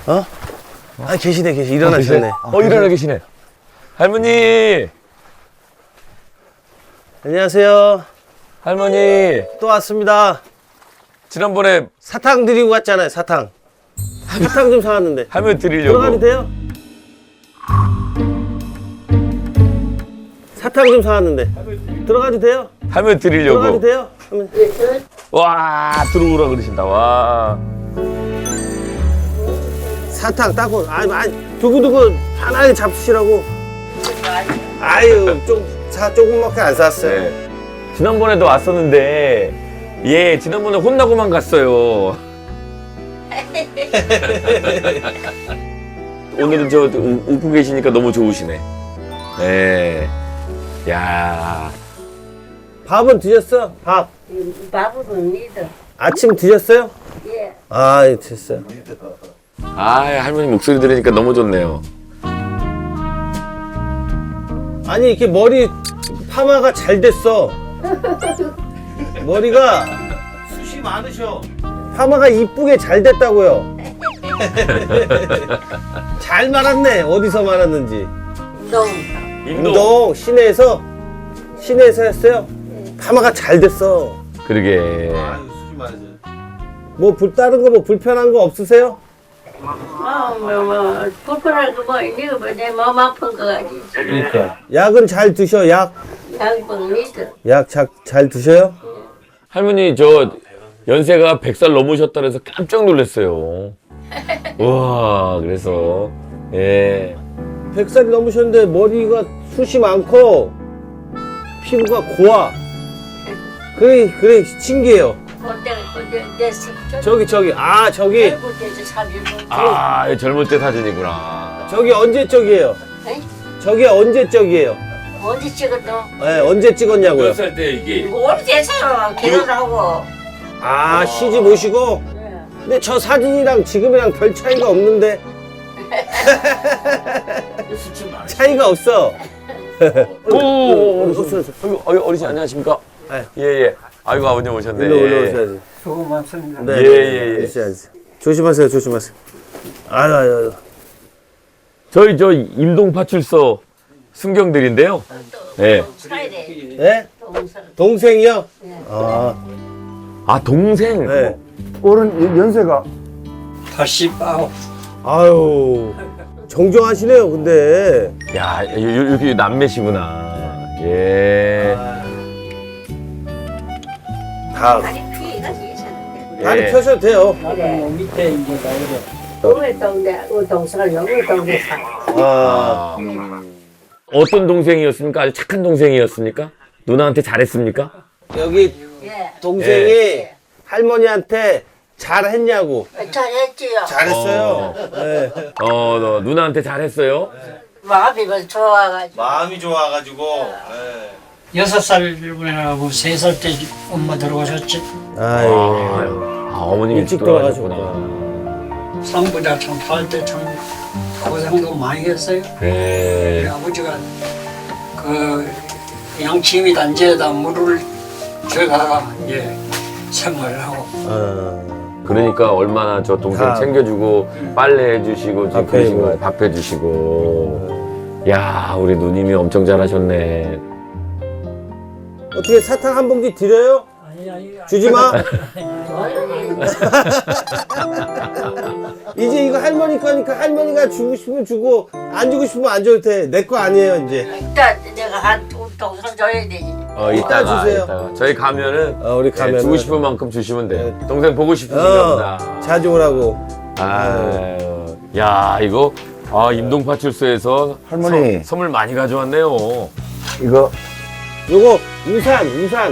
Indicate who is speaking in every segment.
Speaker 1: 어? 아, 계시네. 일어나셨네.
Speaker 2: 일어나 계시네. 할머니!
Speaker 1: 안녕하세요.
Speaker 2: 할머니!
Speaker 1: 또 왔습니다.
Speaker 2: 지난번에
Speaker 1: 사탕 드리고 갔잖아요, 사탕. 사탕 좀 사왔는데.
Speaker 2: 할머니 드리려고.
Speaker 1: 들어가도 돼요? 사탕 좀 사왔는데. 들어가도 돼요?
Speaker 2: 할머니 드리려고.
Speaker 1: 들어가도 돼요? 하면.
Speaker 2: 와, 들어오라 그러신다, 와.
Speaker 1: 사탕 따고, 아니, 두고두고 편하게 잡수시라고. 아유, 조금밖에 안 샀어요.
Speaker 2: 네. 지난번에도 왔었는데, 예, 지난번에 혼나고만 갔어요. 오늘은 저 웃고 계시니까 너무 좋으시네. 예. 야.
Speaker 1: 밥은 드셨어? 밥.
Speaker 3: 밥은 믿어.
Speaker 1: 아침 드셨어요?
Speaker 3: 예.
Speaker 1: 아, 예, 됐어요.
Speaker 2: 아, 할머니 목소리 들으니까 너무 좋네요.
Speaker 1: 아니, 이렇게 머리 파마가 잘 됐어. 머리가 숱이 많으셔. 파마가 이쁘게 잘 됐다고요. 잘 말았네. 어디서 말았는지. 운동 시내에서 했어요. 파마가 잘 됐어.
Speaker 2: 그러게.
Speaker 1: 숱이 많으셔. 뭐 다른 거 뭐 불편한 거 없으세요?
Speaker 3: 불편한 거 뭐 있니? 내 마음 아픈 거 가지고.
Speaker 1: 그러니까. 약은 잘 드셔.
Speaker 3: 양봉 믿어.
Speaker 1: 약 잘 드셔요?
Speaker 2: 할머니 저 연세가 100살 넘으셨다 그래서 깜짝 놀랐어요. 우와, 그래서 예.
Speaker 1: 100살이 넘으셨는데 머리가 숱이 많고 피부가 고와. 그래 신기해요. 저기
Speaker 2: 아, 젊을 때 사진이구나.
Speaker 1: 저기 언제 쪽이에요? 저기 언제 쪽이에요?
Speaker 3: 어디 찍었어?
Speaker 1: 네, 언제 찍었냐고요?
Speaker 2: 몇 살 때 이게?
Speaker 3: 오래돼서 결혼하고.
Speaker 1: 아, 시집 오시고? 근데 저 사진이랑 지금이랑 별 차이가 없는데. 차이가 없어.
Speaker 2: 오, 어르신 안녕하십니까?
Speaker 1: 네.
Speaker 2: 예. 아이고, 아버님 오셨네.
Speaker 1: 일로 오셔야지.
Speaker 4: 수고 많습니다.
Speaker 1: 네,
Speaker 2: 예.
Speaker 1: 오셔야지. 조심하세요. 아유.
Speaker 2: 저희 저 임동파출소 순경들인데요. 예.
Speaker 1: 네? 동생이요?
Speaker 2: 아, 동생.
Speaker 1: 네.
Speaker 4: 올해는 연세가 89.
Speaker 1: 아유. 정정하시네요, 근데.
Speaker 2: 야, 이렇게 남매시구나. 예.
Speaker 1: 다
Speaker 3: 다리 피해가 있었는데.
Speaker 1: 다리
Speaker 2: 예.
Speaker 1: 펴셔도 돼요.
Speaker 4: 나는 밑에 이제 나이래.
Speaker 3: 우리 동네, 우리 동생은 여기 동네 사.
Speaker 1: 아.
Speaker 2: 어떤 동생이었습니까? 아주 착한 동생이었습니까? 누나한테 잘했습니까?
Speaker 1: 여기
Speaker 3: 예.
Speaker 1: 동생이 할머니한테 잘했냐고.
Speaker 3: 잘했지요.
Speaker 1: 잘했어요. 네.
Speaker 2: 너 누나한테 잘했어요?
Speaker 3: 마음이 좋아가지고.
Speaker 1: 마음이 좋아가지고.
Speaker 4: 6살이라고 3살 때 엄마 들어가셨지.
Speaker 1: 아유.
Speaker 2: 어머님
Speaker 1: 일찍
Speaker 2: 돌아가셨구나.
Speaker 4: 상부자 참 살 때 참 고생도 많이 했어요.
Speaker 2: 네.
Speaker 4: 우리 아버지가 그 양치미 단지에다 물을 줘가 이제 생활을 하고.
Speaker 2: 그러니까 얼마나 저 동생
Speaker 1: 다.
Speaker 2: 챙겨주고 빨래 해주시고 지금 그러신 거예요. 밥 해주시고. 야, 우리 누님이 엄청 잘하셨네.
Speaker 1: 어떻게 사탕 한 봉지 드려요?
Speaker 4: 아니.
Speaker 1: 주지 마. 이제 이거 할머니 거니까 할머니가 주고 싶으면 주고 안 주고 싶으면 안 줘도 돼. 내 거 아니에요 이제.
Speaker 3: 일단 내가 한 동생 줘야 되지.
Speaker 1: 이따 주세요.
Speaker 2: 이따가. 저희 가면은
Speaker 1: 우리 가면
Speaker 2: 주고 싶은 만큼 주시면 돼요. 동생 보고 싶으신가 보다.
Speaker 1: 자주 오라고.
Speaker 2: 아유, 야, 이거 임동파출소에서
Speaker 5: 할머니.
Speaker 2: 선물 많이 가져왔네요.
Speaker 5: 이거
Speaker 1: 요거 우산.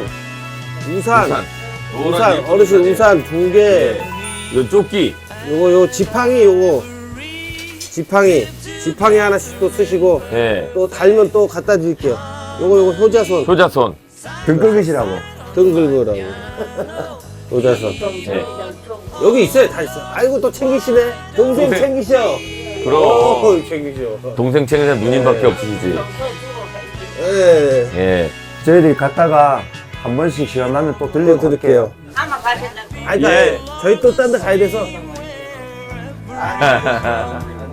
Speaker 1: 어르신 우산 2개.
Speaker 2: 요 조끼.
Speaker 1: 요거 지팡이 하나씩 또 쓰시고
Speaker 2: 예.
Speaker 1: 또 달면 또 갖다 드릴게요. 요거 효자손
Speaker 2: 효자손.
Speaker 5: 등 긁으시라고.
Speaker 1: 등 긁으라고. 효자손.
Speaker 2: 예.
Speaker 1: 여기 있어요. 다 있어. 아이고 또 챙기시네. 동생 챙기셔.
Speaker 2: 그럼
Speaker 1: 챙기셔.
Speaker 2: 동생 챙기는 누님밖에 없으시지.
Speaker 1: 예.
Speaker 2: 예.
Speaker 5: 저희들이 갔다가 한 번씩 시간 나면 또 들려드릴게요.
Speaker 1: 드릴게요.
Speaker 3: 아마 가신다고.
Speaker 1: 아니,
Speaker 2: 예.
Speaker 1: 저희 또 딴 데 가야 돼서. 아,